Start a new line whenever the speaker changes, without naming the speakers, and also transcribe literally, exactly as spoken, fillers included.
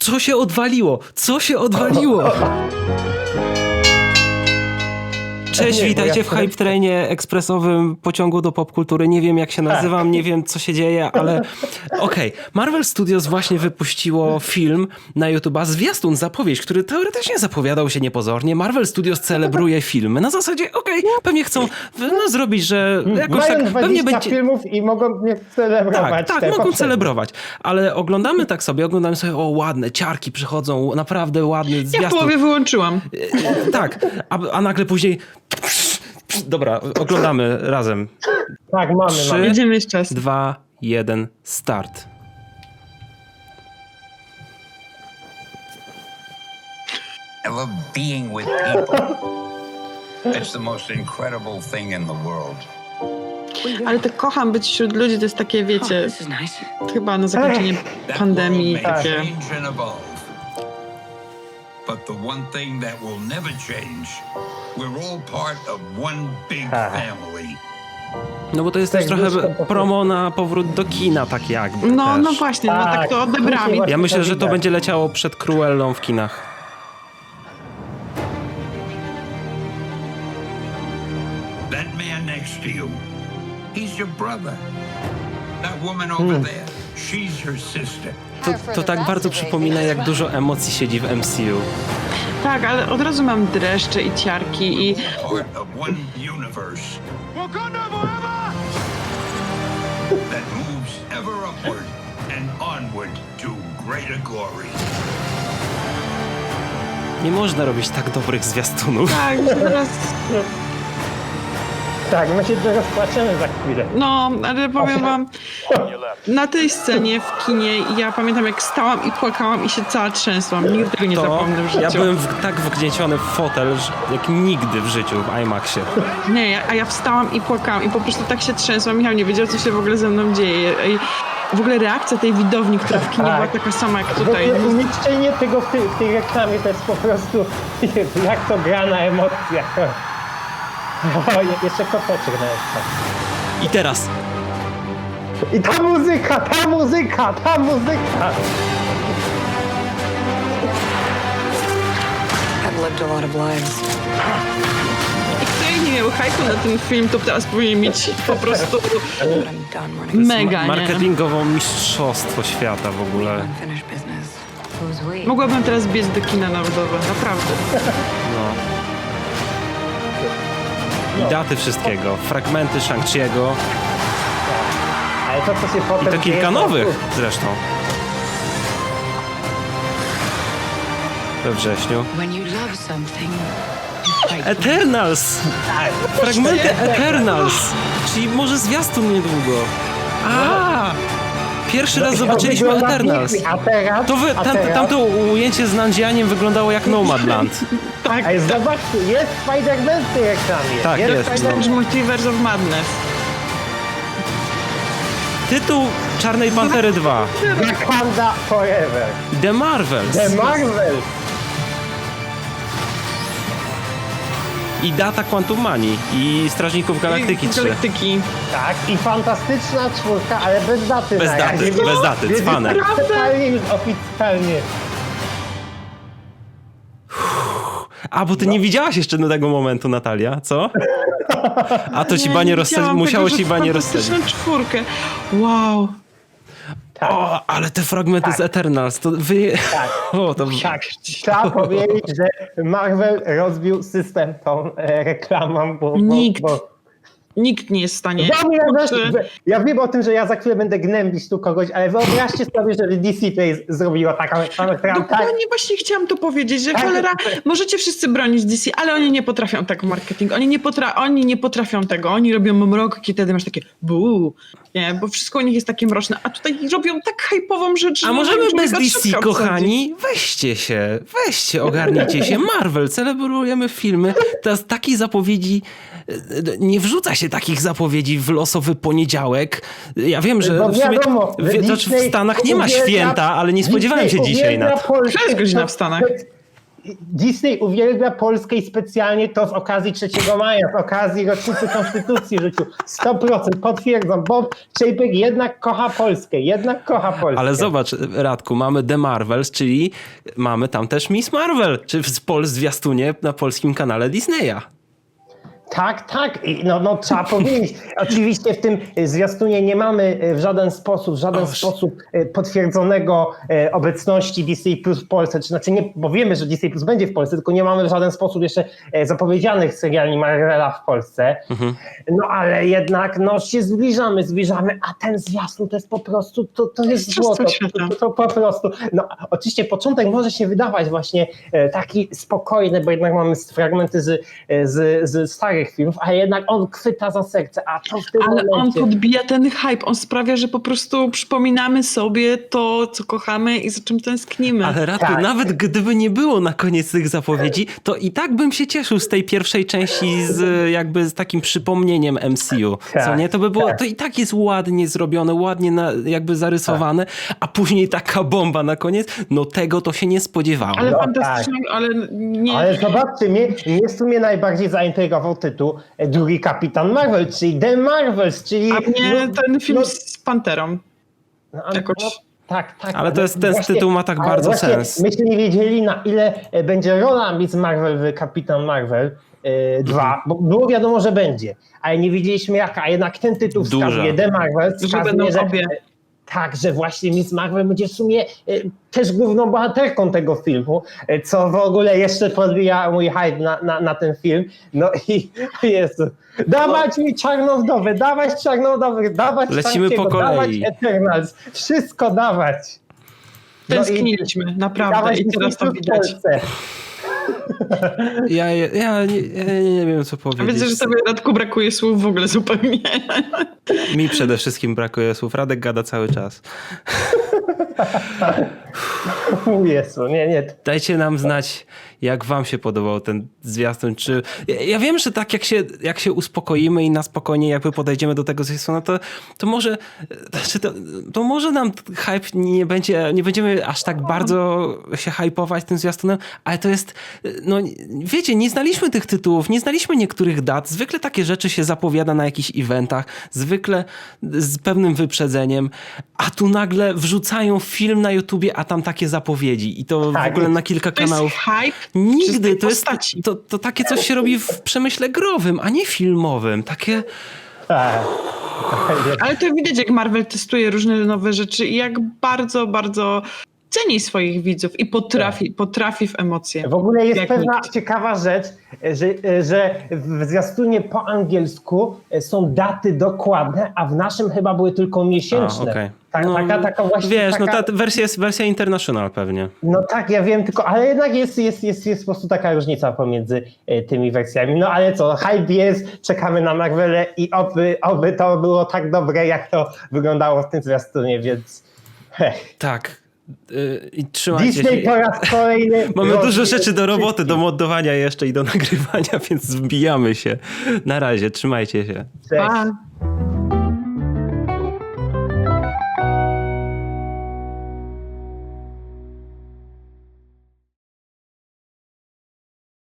Co się odwaliło? Co się odwaliło? Cześć,
Nie,
witajcie
ja...
w Hype Trainie ekspresowym pociągu do popkultury. Nie wiem jak się nazywam, nie wiem co się dzieje, ale okej. Okay. Marvel Studios właśnie wypuściło film na YouTube'a, zwiastun, zapowiedź, który teoretycznie zapowiadał się niepozornie. Marvel Studios celebruje filmy. Na zasadzie, okej, okay, pewnie chcą no, zrobić, że jakoś
Mają
tak... pewnie będzie
filmów i mogą mnie celebrować.
Tak, tak, mogą celebrować. Ale oglądamy tak sobie, oglądamy sobie, o ładne, ciarki przychodzą, naprawdę ładny zwiastun.
Ja w połowie wyłączyłam.
Tak, a, a nagle później... Dobra, oglądamy razem.
Tak, mamy,
Trzy,
mamy.
Jedziemy jeszcze czas.
dwa, jeden, start.
I love being with people. It's the most incredible thing in the world.
Ale to kocham być wśród ludzi, to jest takie, wiecie, chyba na zakończenie pandemii
That world may
takie...
change and evolve. But the one thing that will never change, we're all part of one big family.
No bo to jest też
Tak,
trochę
blisko,
promo na powrót do kina, tak jakby
No,
też.
no właśnie, no tak
Tak,
to odebrałam.
właśnie
Ja myślę, że to
widać.
będzie leciało przed Cruellą w kinach.
That man next to you, he's your brother. That woman over there, she's your sister.
To, to tak bardzo przypomina, jak dużo emocji siedzi w M C U.
Tak, ale od razu mam dreszcze i ciarki i...
Part of one universe. That moves ever upward and onward to greater glory.
Nie można robić tak dobrych zwiastunów.
Tak, że teraz...
Tak, my się rozpłaczemy za chwilę.
No, ale powiem wam, na tej scenie w kinie ja pamiętam jak stałam i płakałam i się cała trzęsłam. Nigdy tego nie
To
zapomnę w życiu.
ja byłem w, tak wgnieciony w fotel, że jak nigdy w życiu w IMAXie.
Nie, ja, a ja wstałam i płakałam i po prostu tak się trzęsłam. Michał nie wiedział, co się w ogóle ze mną dzieje. I w ogóle reakcja tej widowni, która w kinie
Tak.
była taka sama jak
W
tutaj.
ogóle umieszczenie tego w tej, w tej reklamie to jest po prostu jak to gra na emocjach. O, je- jeszcze koteczek na ekran.
I teraz
I ta muzyka, ta muzyka, ta muzyka!
I've lived a lot of lives.
I kto nie miał hajku na ten film, to teraz powinien mieć po prostu
But I'm done running
mega, nie?
marketingowo mistrzostwo świata w ogóle.
unfinished business. Who's we?
Mogłabym teraz biec do kina narodowe, naprawdę.
No. I daty wszystkiego, fragmenty Shang-Chi'ego
Ale to, co się
i
potem
to
dzieje,
kilka nowych zresztą. We wrześniu.
When you love something, you fight.
Eternals! Fragmenty Eternals! Czyli może zwiastun niedługo. A! Pierwszy raz zobaczyliśmy
Wygląda
Eternals.
pięknie, A teraz,
To wy,
a
tam,
teraz,
tamto ujęcie z Nandzianiem wyglądało jak Nomadland.
Tak,
Ej, zobaczcie, jest Spider-Man w tej reklamie.
Tak, jest,
Spider-
no.
Strange Multiverse of Madness.
Tytuł Czarnej Pantery dwa.
Wakanda Forever.
The Marvels.
The Marvel.
I data Quantum Mani. I Strażników Galaktyki trzy.
Galaktyki.
Tak, i fantastyczna czwórka, ale bez daty.
Bez
na
daty,
razie.
bez daty,
Więc
cwane.
Oficjalnie już oficjalnie.
A, bo ty nie widziałaś jeszcze do tego momentu, Natalia, co? A to ci banie rozsadzić,
widziałam
musiało
tego,
ci
że
banie rozsadzić.
fantastyczną czwórkę. Wow.
Tak,
O, ale te fragmenty z Eternals, to wy...
tak.
O, to...
Tak, trzeba powiedzieć, że Marvel rozbił system tą e, reklamą, bo... bo
Nikt.
Bo,
Nikt nie jest w stanie.
Ja, wiem,
Kurczę.
że- ja wiem o tym, że ja za chwilę będę gnębić tu kogoś, ale wyobraźcie sobie, że D C tutaj zrobiło taką reklamę, która tak...
Dokładnie właśnie chciałam to powiedzieć, że
Tak.
cholera, możecie wszyscy bronić D C, ale oni nie potrafią tak w marketingu. Oni nie, potra oni nie potrafią tego. Oni robią mrok i wtedy masz takie buu, nie, bo wszystko u nich jest takie mroczne, a tutaj robią tak hypową rzecz,
A
że
możemy
człowieka
bez D C,
trzeba
kochani? Weźcie się, weźcie, ogarnijcie się. Marvel, celebrujemy filmy. Teraz takiej zapowiedzi, nie wrzuca się takich zapowiedzi w losowy poniedziałek. Ja wiem, że
Bo
w, sumie,
wiadomo, że
w, znaczy w
Disney
Stanach nie ma
uwielbia-
święta, ale nie spodziewałem się
Disney
dzisiaj
uwielbia
na to.
polskie-
Która jest godzina w Stanach?
Disney uwielbia Polskę i specjalnie to z okazji trzeciego maja, z okazji rocznicy Konstytucji rzucił. sto procent potwierdzam, Bob Chapek jednak kocha Polskę, jednak kocha Polskę.
Ale zobacz, Radku, mamy The Marvels, czyli mamy tam też Miss Marvel, czy w pol zwiastunie na polskim kanale Disneya.
Tak, tak. I No, no trzeba powiedzieć. Oczywiście w tym zwiastunie nie mamy w żaden sposób, w żaden
Oż.
sposób potwierdzonego obecności Disney Plus w Polsce. Czy znaczy nie, bo wiemy, że Disney Plus będzie w Polsce, tylko nie mamy w żaden sposób jeszcze zapowiedzianych seriali Marvela w Polsce. Mhm. No ale jednak no się zbliżamy, zbliżamy, a ten zwiastun to jest po prostu, to, to jest złoto. To, to, to po prostu. No oczywiście początek może się wydawać właśnie taki spokojny, bo jednak mamy fragmenty z, z, z starych filmów, a jednak on chwyta za serce, a to w tym
Ale
momencie...
on podbija ten hype, on sprawia, że po prostu przypominamy sobie to, co kochamy i za czym tęsknimy.
Ale Radku,
Tak.
nawet gdyby nie było na koniec tych zapowiedzi, to i tak bym się cieszył z tej pierwszej części z jakby z takim przypomnieniem M C U.
Tak,
Co nie? To by było,
tak.
to i tak jest ładnie zrobione, ładnie na, jakby zarysowane, a później taka bomba na koniec, no tego to się nie spodziewałem.
Ale
No
fantastycznie, ale nie...
Ale zobaczcie, mnie, mnie w sumie najbardziej zaintrygował tytuł drugi Kapitan Marvel, czyli The Marvels, czyli...
A mnie
no,
ten film
no,
z Panterą.
no, no,
jakoś-
tak, tak.
Ale to jest- ten
właśnie-
tytuł ma tak
ale
bardzo
właśnie
sens.
Myśmy nie wiedzieli, na ile e, będzie rola Miss Marvel w Kapitan Marvel dwa,
Mhm.
bo było wiadomo, że będzie, ale nie wiedzieliśmy jaka, a jednak ten tytuł
Duża.
wskazuje, The Marvel
Że
wskazuje,
będą
że...
obie.
Tak, że właśnie Miss Marvel będzie w sumie e, też główną bohaterką tego filmu, e, co w ogóle jeszcze podbija mój hype na, na, na ten film. No i Jezu, dawać mi Czarną Wdowę, dawać Czarną Wdowę, dawać
Lecimy
Shang-Chi'ego,
po kolei.
dawać Eternals, wszystko dawać. No i
Tęskniliśmy, naprawdę,
dawać
i teraz to
Disney Plus w
widać.
Polsce.
Ja, ja, ja, nie, ja nie wiem, co
A
powiedzieć.
widzę, że sobie Radku brakuje słów w ogóle zupełnie.
Mi przede wszystkim brakuje słów. Radek gada cały czas.
Jezu, nie, nie.
Dajcie nam znać, jak wam się podobał ten zwiastun. Czy... Ja, ja wiem, że tak jak się, jak się uspokoimy i na spokojnie jakby podejdziemy do tego zwiastuna, to, to może znaczy to, to może nam hype nie będzie, nie będziemy aż tak bardzo się hypować tym zwiastunem, ale to jest, no wiecie, nie znaliśmy tych tytułów, nie znaliśmy niektórych dat. Zwykle takie rzeczy się zapowiada na jakichś eventach, zwykle z pewnym wyprzedzeniem, a tu nagle wrzucają film na YouTubie, a tam takie zapowiedzi i to
Tak,
w ogóle na kilka
To jest
kanałów.
hype
Nigdy,
czystej
to jest,
postaci.
to, to takie coś się robi w przemyśle growym, a nie filmowym. Takie,
Tak.
Ale to widać, jak Marvel testuje różne nowe rzeczy i jak bardzo, bardzo ceni swoich widzów i potrafi, potrafi w emocje.
W ogóle jest
Jak
pewna
nikt.
ciekawa rzecz, że, że w zwiastunie po angielsku są daty dokładne, a w naszym chyba były tylko miesięczne.
A, okej.
Tak,
No,
taka, taka właśnie.
wiesz,
taka,
no ta wersja jest wersja international pewnie.
No tak, ja wiem, tylko, ale jednak jest, jest, jest, jest po prostu taka różnica pomiędzy e, tymi wersjami. No ale co, hype jest, czekamy na Marvelę i oby, oby to było tak dobre, jak to wyglądało w tym zwiastunie, więc heh.
Tak. Yy, I trzymajcie
Disney
się.
po raz kolejny...
Mamy dużo
rozwie-
rzeczy do roboty, do moddowania jeszcze i do nagrywania, więc wbijamy się. Na razie, trzymajcie się.
Cześć.
Pa.